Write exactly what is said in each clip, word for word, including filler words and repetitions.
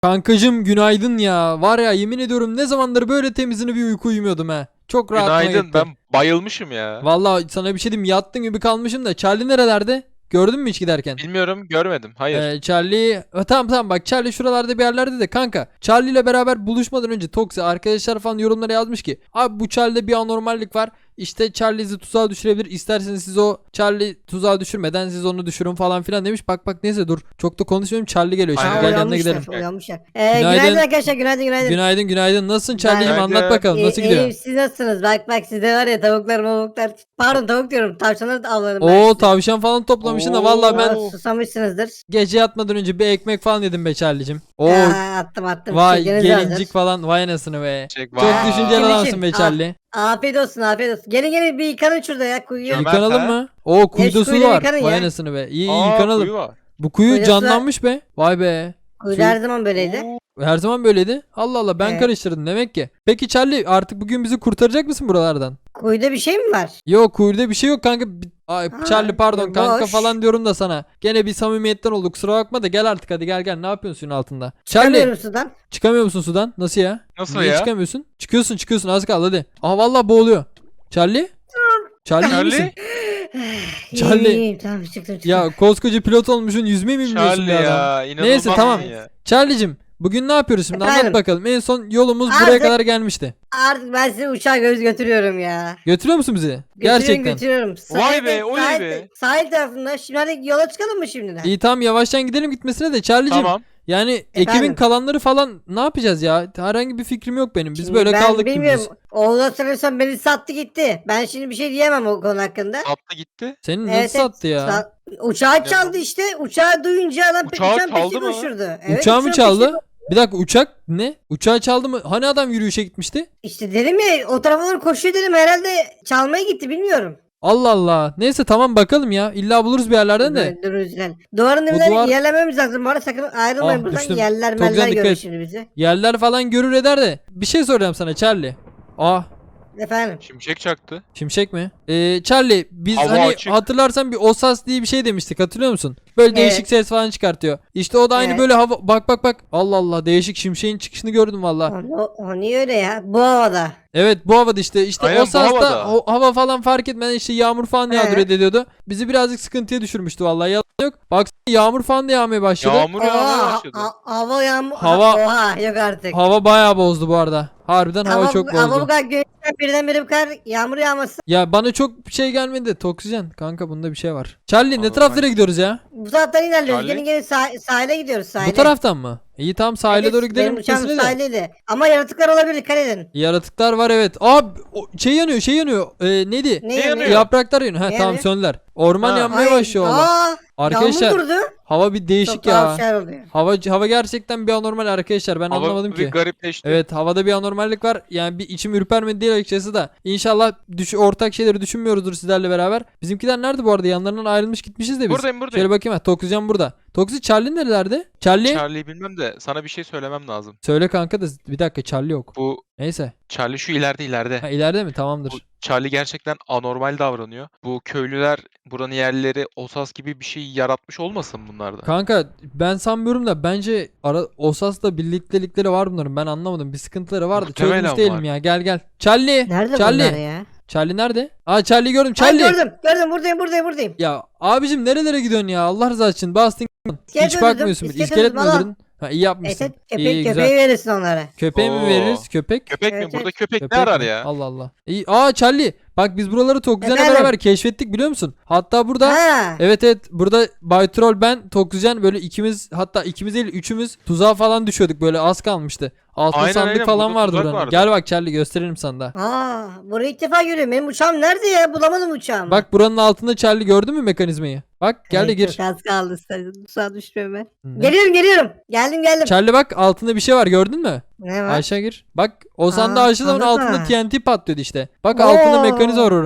Kankacım günaydın ya. Var ya yemin ediyorum ne zamandır böyle temizini bir uyku uyumuyordum ha. Çok rahatıma Günaydın. gitti. Ben bayılmışım ya. Vallahi sana bir şey diyeyim, yattın gibi kalmışım da. Charlie nerelerde? Gördün mü hiç giderken? Bilmiyorum, görmedim. Hayır. Ee, Charlie Ha, tamam tamam bak, Charlie şuralarda bir yerlerde de kanka. Charlie ile beraber buluşmadan önce Toksi arkadaşlar falan yorumlara yazmış ki abi bu Charlie'de bir anormallik var. İşte Charlie sizi tuzağa düşürebilir. İsterseniz siz o Charlie tuzağa düşürmeden siz onu düşürün falan filan demiş. Bak bak neyse dur. Çok da konuşmuyorum. Charlie geliyor. Şimdi Aynen. gel Aa, yanına gidelim. Uyanmışlar. Ee, Günaydın. günaydın. arkadaşlar. Günaydın günaydın. Günaydın günaydın. Nasılsın Charlie'cim, Günaydın. anlat bakalım nasıl İyi- gidiyor? iyiyim, siz nasılsınız? Bak bak sizde var ya tavuklar mavuklar. Pardon tavuk diyorum. Tavşanları da avladım. ben Oo size. tavşan falan toplamışsın da Oo. vallahi ben Aa, Susamışsınızdır. gece yatmadan önce bir ekmek falan yedim be Charlie'cim. Oo Aa, attım attım. vay Çekiniz gelincik hazır. falan, vay anasını be. Çek, Çok vay. düşünceli Kim adamsın için? be Charlie. Afiyet olsun afiyet olsun. Gelin gelin bir yıkanın şurada ya kuyuya. Cömert Yıkanalım ha? mı? Oo kuyuda su kuyuda var. yıkanın Vay ya. anasını be. İyi iyi Aa, yıkanalım. kuyu var. Bu kuyu Kuyuda su- canlanmış be. Vay be. Kuyuda her zaman böyleydi. Oo. Her zaman böyleydi. Allah Allah, ben Evet. karıştırdım demek ki. Peki Charlie artık bugün bizi kurtaracak mısın buralardan? Kuyuda bir şey mi var? Yok kuyuda bir şey yok kanka. Bi- Ay, Ha, Charlie pardon boş. kanka falan diyorum da sana. Gene bir samimiyetten oldu, kusura bakma da gel artık, hadi gel gel, ne yapıyorsun suyun altında? Charlie Çıkamıyorum sudan. çıkamıyor musun sudan? Nasıl ya? Nasıl Niye ya? çıkamıyorsun? Çıkıyorsun çıkıyorsun, az kaldı hadi. Aa vallahi boğuluyor. Charlie? Charlie iyi misin? Charlie? Charlie. İyiyim, iyiyim, tamam çıktım çıktım. Ya koskoca pilot olmuşsun, yüzmeyi mi bilmiyorsun Charlie be adam? ya. İnanılmaz Neyse, tamam. ya. Charlie'cim bugün ne yapıyoruz şimdi, anlat Efendim? bakalım. En son yolumuz buraya Artık- kadar gelmişti. Artık ben sizi uçağa göz götürüyorum ya. Götürüyor musun bizi? Götürüyorum, Gerçekten. götürüyorum. Vay be, oley sahil, be. Sahil tarafında. Şimdi hadi yola çıkalım mı şimdiden? İyi tamam, yavaştan gidelim gitmesine de Charlie'cim. Tamam. Yani ekibin Efendim? kalanları falan ne yapacağız ya? Herhangi bir fikrim yok benim. Biz Şimdi böyle ben kaldık bilmiyorum. dümdüz. Oğlan sanırsam beni sattı gitti. Ben şimdi bir şey diyemem o konu hakkında. Attı gitti. Senin nasıl Evet, evet, sattı ya? sa- Uçağı çaldı işte. Uçağı duyunca adam pe- Uçağı uçağın çaldı peşine mı? koşturdu. Evet, Uçağı mı uçağın çaldı? peşine- Bir dakika, uçak ne? Uçağı çaldı mı? Hani adam yürüyüşe gitmişti? İşte dedim ya o tarafa doğru koşuyor dedim. Herhalde çalmaya gitti bilmiyorum. Allah Allah. Neyse tamam bakalım ya. İlla buluruz bir yerlerden de. Dur, dur, lütfen. Duvarın Bu dibine duvar- ilerlememiz lazım. Bu arada sakın ayrılmayın Ah, buradan. düştüm. Yerler Çok güzel, meller dikkat görür et. şimdi bizi. Yerler falan görür eder de. Bir şey soracağım sana Charlie. Aa, Efendim. Şimşek çaktı. şimşek mi? Ee, Charlie biz Hava hani açık. hatırlarsan bir Osas diye bir şey demiştik, hatırlıyor musun? Böyle değişik Evet. ses falan çıkartıyor. İşte o da aynı Evet. böyle hava, bak bak bak. Allah Allah, değişik şimşeğin çıkışını gördüm valla. O, o niye öyle ya? Bu havada. Evet bu havada işte işte Aynen, bu Osas'ta havada. o hava falan fark etmeden işte yağmur falan He. yağdırıyor ediyordu. Bizi birazcık sıkıntıya düşürmüştü vallahi, yalan yok. Baksana yağmur falan da yağmaya başladı. Yağmur yağmaya Oha, başladı. ha- hava yağmur. Hava- Oha yok artık. Hava bayağı bozdu bu arada. Harbiden hava, Hava, çok bu- hava bu bozdu. kadar güneşten birdenbire bu kadar yağmur yağması. Ya bana çok bir şey gelmedi. Toksijen kanka, bunda bir şey var. Charlie ne Anormal. taraflara gidiyoruz ya? Bu taraftan ilerliyoruz. Charlie? Gelin gelin sah- sahile gidiyoruz sahile. Bu taraftan mı? İyi tamam, sahile Evet, doğru gidelim Benim uçağım gitmesine de. sahildeydi. Ama yaratıklar olabilir dikkat edin. Yaratıklar var evet. Abi o- şey yanıyor şey yanıyor. Ee, neydi? Ne yanıyor? yanıyor? Yapraklar yanıyor. Ha Ne tamam, yanıyor? söndüler. Orman Ha. yanmaya Ay, başlıyor valla. aa, Arkadaşlar Yağmur durdu. hava bir değişik Çok tuhaf ya. şeyler oluyor. Hava hava gerçekten bir anormal arkadaşlar. Ben Hava anlamadım bir ki. garipleşti. Evet, havada bir anormallik var. Yani bir içim ürpermedi değil açıkçası da. İnşallah düş ortak şeyleri düşünmüyoruzdur sizlerle beraber. Bizimkiler nerede bu arada? Yanlarından ayrılmış gitmişiz de biz. Buradayım buradayım. Şöyle bakayım ha. Toksijen burada. Toksi Charlie nerelerde? Charlie? Charlie'yi bilmem de sana bir şey söylemem lazım. Söyle kanka da bir dakika, Charlie yok. Bu Neyse. Charlie şu ileride ileride. Ha, ileride mi? Tamamdır. Bu Charlie gerçekten anormal davranıyor. Bu köylüler buranın yerlileri Osas gibi bir şey yaratmış olmasın bunlarda? Kanka ben sanmıyorum da bence ara Osas'la birliktelikleri var bunların. Ben anlamadım. Bir sıkıntıları vardı. Muhtemelen Çözmüş değilim var. ya. Gel gel. Charlie. Nerede Charlie. bunlar ya? Charlie nerede? Aa Charlie gördüm. Ay, Charlie. gördüm gördüm buradayım buradayım buradayım. Ya abicim nerelere gidiyorsun ya? Allah rızası için. Bastın. İskelet Hiç öldürdüm, bakmıyorsun bile. iskelet İskelet mi öldürdüm, öldürdün? Ha iyi yapmışsın. Evet, İyi köpek, güzel. köpeği verirsin onlara. Köpeğe mi Oo. veririz? Köpek? Köpek Evet, mi? Burada evet. köpek, Köpek ne arar mi? ya? Allah Allah. İyi. Aa Charlie. Bak biz buraları Tokuzyen'le Efendim? beraber keşfettik biliyor musun? Hatta burada Ha. evet evet burada Bay Troll, ben, Tokuzyen böyle ikimiz, hatta ikimiz değil üçümüz tuzağa falan düşüyorduk, böyle az kalmıştı. Altın Aynen, sandık aynen. falan Burada vardı tuzak buranın. vardı. Gel bak Charlie, gösteririm sana da. Aa, burayı ilk defa görüyorum. Benim uçağım nerede ya? Bulamadım uçağımı. Bak buranın altında Charlie, gördün mü mekanizmayı? Bak gel de Evet, gir. Çok az kaldı. Uçağa düşmeme. Ne? Geliyorum geliyorum. Geldim geldim. Charlie bak altında bir şey var, gördün mü? Ne var? Aşağı gir. Bak o sandığı Aa, açtığı zaman sandık altında mı? T N T patlıyordu işte. Bak altında Oo. mekanizma var oranın.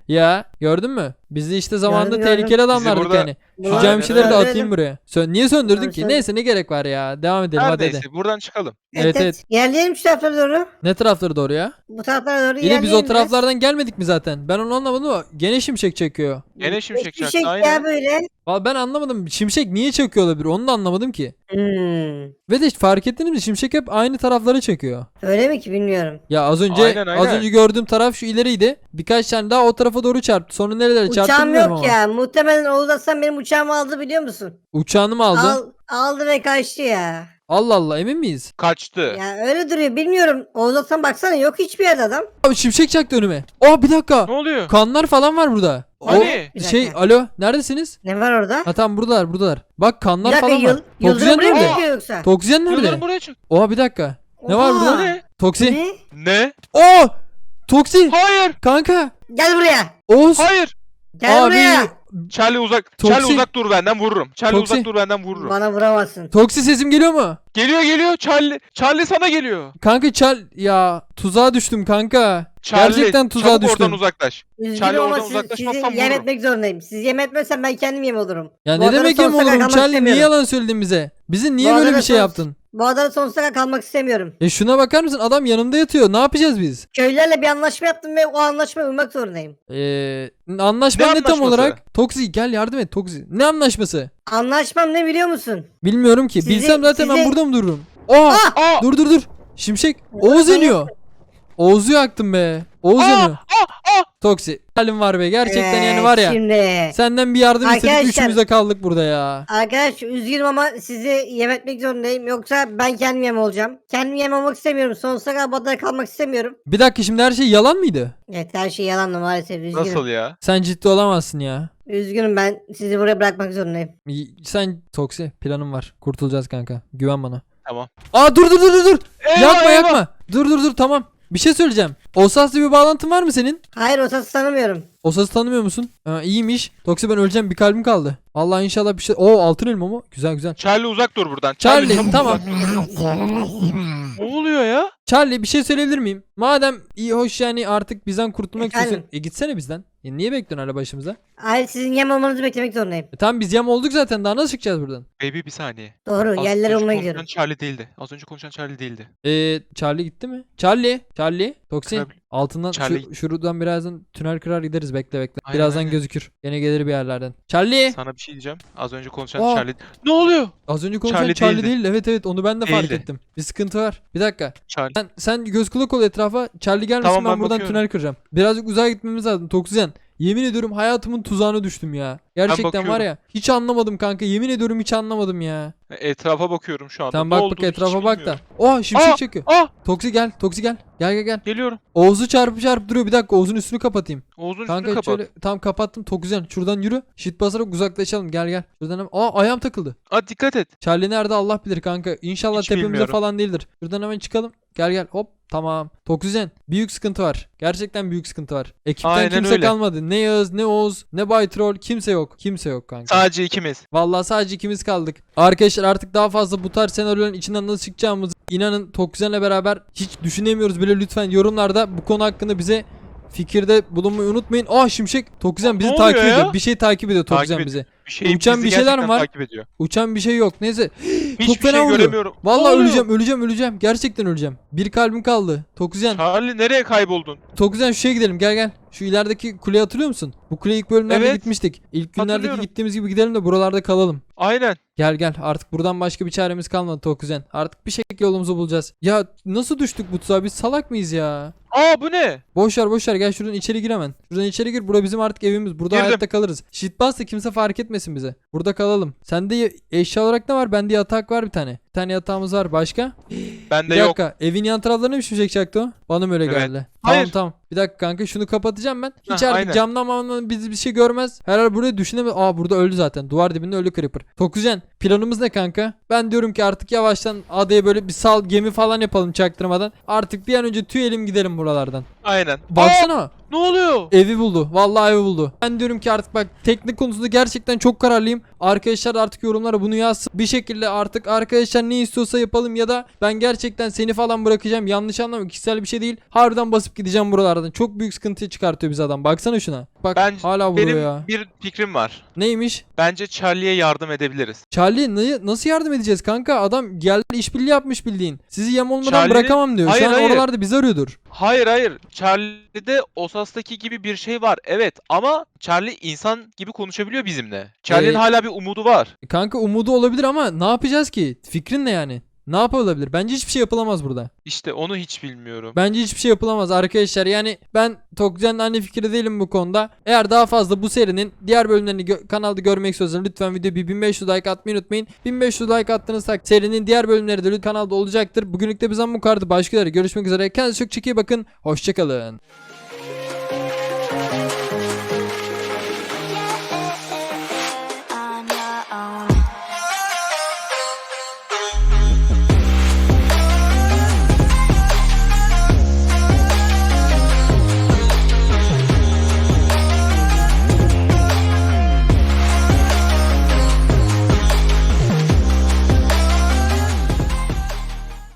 Ya gördün mü? Biz de işte zamanında Gördüm, gördüm. tehlikeli adamlardık burada- yani. Şu Aynen camşileri de öyle. atayım buraya. Sön niye söndürdün Abi ki? sen- Neyse ne gerek var ya. Devam edelim Her hadi hadi. neyse buradan çıkalım. Evet, evet. Ilerleyelim şu taraflara doğru. Ne tarafları doğru ya? Bu taraflara doğru Yine biz ilerleyelim o biraz. taraflardan gelmedik mi zaten? Ben onu anlamadım ama gene şimşek çekiyor. Gene şimşek Hiçbir çaktı şey aynen. ya böyle. Vallahi ben anlamadım. Şimşek niye çekiyor olabilir? Onu da anlamadım ki. Hmm. Ve de fark ettiniz mi? Şimşek hep aynı tarafları çekiyor. Öyle mi ki bilmiyorum. Ya az önce Aynen, aynen. az önce gördüğüm taraf şu ileriydi. Birkaç tane daha o tarafa doğru çarptı. Sonra nerelere çarptı Uçağım bilmiyorum yok ama. ya. Muhtemelen Oğuz Aslan benim uçağımı aldı biliyor musun? Uçağını mı aldı? Al, aldı ve kaçtı ya. Allah Allah emin miyiz? Kaçtı. Ya öyle duruyor bilmiyorum. Oğuz Aslan baksana yok hiçbir yerde adam. Abi şimşek çaktı önüme. Aa bir dakika. Ne oluyor? Kanlar falan var burada. Hani? Bir O şey dakika. alo neredesiniz? Ne var orada? Ha tamam buradalar buradalar. Bak Bir kanlar dakika falan yıl, var. Toksijen Yıldırım buraya mı nerede? çıkıyor yoksa? Toksijen nerede? Yıldırım buraya çık. Oha bir dakika. Ne var Oha! burada? Ne? Toksi. Ne? Ne? Oo! Toksi. Hayır. Kanka. Gel buraya. Oğuz. Hayır. Gel Abi. buraya. Charlie uzak. Toksi. Charlie uzak dur benden vururum. Charlie Toksi. uzak dur benden vururum. Bana vuramazsın. Toksi sesim geliyor mu? Geliyor geliyor Charlie. Charlie sana geliyor. Kanka çal ya tuzağa düştüm kanka. Charlie, Gerçekten tuzağa çabuk düştüm. oradan uzaklaş. Üzgünüm Charlie ama oradan siz, uzaklaşmazsan sizi yem vururum. etmek zorundayım. Siz yem etmezsen ben kendim yem olurum. Ya Bu ne adada demek yem sonsuza kadar olurum kalmak Charlie niye istemiyorum. yalan söyledin bize? Bizi niye Bu böyle adada bir şey sons- yaptın? Bu adada sonsuza kadar kalmak istemiyorum. E şuna bakar mısın adam yanımda yatıyor ne yapacağız biz? Köylülerle bir anlaşma yaptım ve o anlaşmaya uymak zorundayım. Eee anlaşma Ne ne tam anlaşması? olarak? Toksi gel yardım et Toksi. Ne anlaşması? Anlaşmam ne biliyor musun? Bilmiyorum ki. Sizi- Bilsem zaten ben sizi- burada mı dururum? Aa! Aa! Dur dur dur. Şimşek. Oğuz ben yanıyor. Oğuz'u yaktım be. Oğuz Aa! yanıyor. Aa! Aa! Toksi. Halim var be. Gerçekten Evet, yani var ya. Şimdi. Senden bir yardım istedik. Arkadaşlar- Üçümüz de kaldık burada ya. Arkadaş üzgünüm ama sizi yem etmek zorundayım. Yoksa ben kendim yem olacağım. Kendim yem olmak istemiyorum. Sonsuza kadar bu adada kalmak istemiyorum. Bir dakika şimdi her şey yalan mıydı? Evet her şey yalandı maalesef üzgünüm. Nasıl ya? Sen ciddi olamazsın ya. Üzgünüm ben sizi buraya bırakmak zorundayım. Y- Sen Toksi planım var. Kurtulacağız kanka. Güven bana. Tamam. Aa dur dur dur dur dur. Eyvah, Yakma eyvah. yakma. Dur dur dur tamam. Bir şey söyleyeceğim. Osas'la bir bağlantın var mı senin? Hayır o sası tanımıyorum. Osas'ı tanımıyor musun? Ha, iyiymiş. Toksi ben öleceğim bir kalbim kaldı. Allah inşallah bir şey. Oo altın elma mı? Güzel güzel. Charlie uzak dur buradan. Charlie, çabuk tamam. uzak. Ne oluyor ya? Charlie bir şey söyleyebilir miyim? Madem iyi hoş yani artık bizden kurtulmak Efendim? istiyorsun. E gitsene bizden. E, niye bekliyorsun hala başımıza? Hayır sizin yem olmanızı beklemek zorundayım. E, tamam biz yam olduk zaten daha nasıl çıkacağız buradan? Baby bir saniye. Doğru Az yerlere önce olmaya konuşan gidiyorum. Charlie değildi. Az önce konuşan Charlie değildi. Eee Charlie gitti mi? Charlie. Charlie. Toksi. Tabii. Altından Charlie- şu, şuradan birazdan tünel kırar gideriz bekle bekle. Aynen, birazdan aynen. gözükür. Gene gelir bir yerlerden. Charlie. Sana bir şey diyeceğim. Az önce konuşan Aa. Charlie. Ne oluyor? Az önce konuşan Charlie, Charlie değil. değildi. Evet evet onu ben de fark Değildi. ettim. Bir sıkıntı var. Bir dakika. Charlie. Sen, sen göz kulak ol etrafa. Charlie gelmesin Tamam, ben ben buradan bakıyorum. tünel kıracağım. Birazcık uzağa gitmemiz lazım. Toksijen. Yemin ediyorum hayatımın tuzağına düştüm ya. Gerçekten var bakıyorum. ya. Hiç anlamadım kanka. Yemin ediyorum hiç anlamadım ya. Etrafa bakıyorum şu anda. Sen Ne bak bak olduğunu hiç etrafa bak da. bilmiyorum. Oh şimşek Aa! çekiyor. Ah! Toksi gel. Toksi gel. Gel gel gel. Geliyorum. Oğuz'u çarpıp çarpıp duruyor. Bir dakika Oğuz'un üstünü kapatayım. Oğuz'un üstünü Kanka kapat. şöyle tam kapattım. Toksijen şuradan yürü. Shit basarak uzaklaşalım. Gel gel. Şuradan hemen. Aa ayağım takıldı. Aa dikkat et. Charlie nerede Allah bilir kanka. İnşallah Hiç tepemize bilmiyorum. falan değildir. Şuradan hemen çıkalım. Gel gel hop. Tamam. Toksijen. Büyük sıkıntı var. Gerçekten büyük sıkıntı var. Ekipten Aynen kimse öyle. kalmadı. Ne Yağız ne Oğuz ne Bay Troll. Kimse yok. Kimse yok kanka. Sadece ikimiz. Vallahi sadece ikimiz kaldık. Arkadaşlar artık daha fazla bu tarz senaryoların içinden nasıl çıkacağımızı inanın Toksijen'le beraber hiç düşünemiyoruz bile. Lütfen yorumlarda bu konu hakkında bize fikirde bulunmayı unutmayın. Aa şimşek. Toksijen bizi Ne takip oluyor ediyor. ya? Bir şey takip ediyor Takip Toksijen ediyor. bizi. Bir şey Uçan bizi bir şeyler gerçekten mi var? takip ediyor. Uçan bir şey yok. Neyse. Hiçbir Çok fena şey vuruyor. göremiyorum. Ne Vallahi oluyor? öleceğim, öleceğim, öleceğim. Gerçekten öleceğim. Bir kalbim kaldı. Toksijen. Charlie nereye kayboldun? Toksijen şu şeye gidelim. Gel gel. Şu ilerideki kuleyi hatırlıyor musun? Bu kuleye ilk bölümlerde Evet. gitmiştik. İlk günlerdeki Hatırlıyorum. gittiğimiz gibi gidelim de buralarda kalalım. Aynen. Gel gel. Artık buradan başka bir çaremiz kalmadı Toksijen. Artık bir şekilde yolumuzu bulacağız. Ya nasıl düştük bu tuzağa? Biz salak mıyız ya? Aa bu ne? Boş ver boş ver. Gel şuradan içeri gir hemen. Şuradan içeri gir. Bura bizim artık evimiz. Burada Girdim. hayatta kalırız. Shitbus da kimse fark etmesin bize. Burada kalalım. Sende y- eşya olarak ne var? Bende yatak var bir tane. Bir tane yatağımız var. Başka? Bende Bir yok. dakika. Evin yan taraflarına bir şimşek çaktı o. Bana mı öyle Evet. geldi? Hayır. Tamam tamam. Bir dakika kanka şunu kapatacağım ben. Hiç Heh, artık aynen. camdan mamdan bizi bir şey görmez. Herhalde burayı düşünemez. Aa burada öldü zaten. Duvar dibinde öldü Creeper. Tokuzen planımız ne kanka? Ben diyorum ki artık yavaştan adaya böyle bir sal gemi falan yapalım çaktırmadan. Artık bir an önce tüyelim gidelim buralardan. Aynen. Baksana. Aa, ne oluyor? Evi buldu. Vallahi evi buldu. Ben diyorum ki artık bak teknik konusunda gerçekten çok kararlıyım. Arkadaşlar artık yorumlara bunu yazsın. Bir şekilde artık arkadaşlar ne istiyorsa yapalım ya da ben gerçekten seni falan bırakacağım. Yanlış anlama kişisel bir şey şey değil. Harbiden basıp gideceğim buralardan. Çok büyük sıkıntı çıkartıyor bize adam. Baksana şuna. Bak Ben hala vuruyor benim ya. bir fikrim var. Neymiş? Bence Charlie'ye yardım edebiliriz. Charlie ne- nasıl yardım edeceğiz kanka? Adam geldi işbirliği yapmış bildiğin. Sizi yem olmadan Charlie'nin- bırakamam diyor. Hayır, Şu an hayır. oralarda bizi arıyordur. Hayır hayır. Charlie'de Osas'taki gibi bir şey var. Evet ama Charlie insan gibi konuşabiliyor bizimle. Charlie'nin Ee, hala bir umudu var. Kanka umudu olabilir ama ne yapacağız ki? Fikrin ne yani? Ne yapılabilir? Bence hiçbir şey yapılamaz burada. İşte onu hiç bilmiyorum. Bence hiçbir şey yapılamaz arkadaşlar. Yani ben Tokcan'ın aynı fikri değilim bu konuda. Eğer daha fazla bu serinin diğer bölümlerini gö- kanalda görmek istiyorsanız lütfen videoya bir bin beş yüz like atmayı unutmayın. bin beş yüz like attığınız takdirde serinin diğer bölümleri de lütfen kanalda olacaktır. Bugünlük de bizden bu kadar. Başka yere görüşmek üzere. Kendinize çok çok iyi bakın. Hoşçakalın.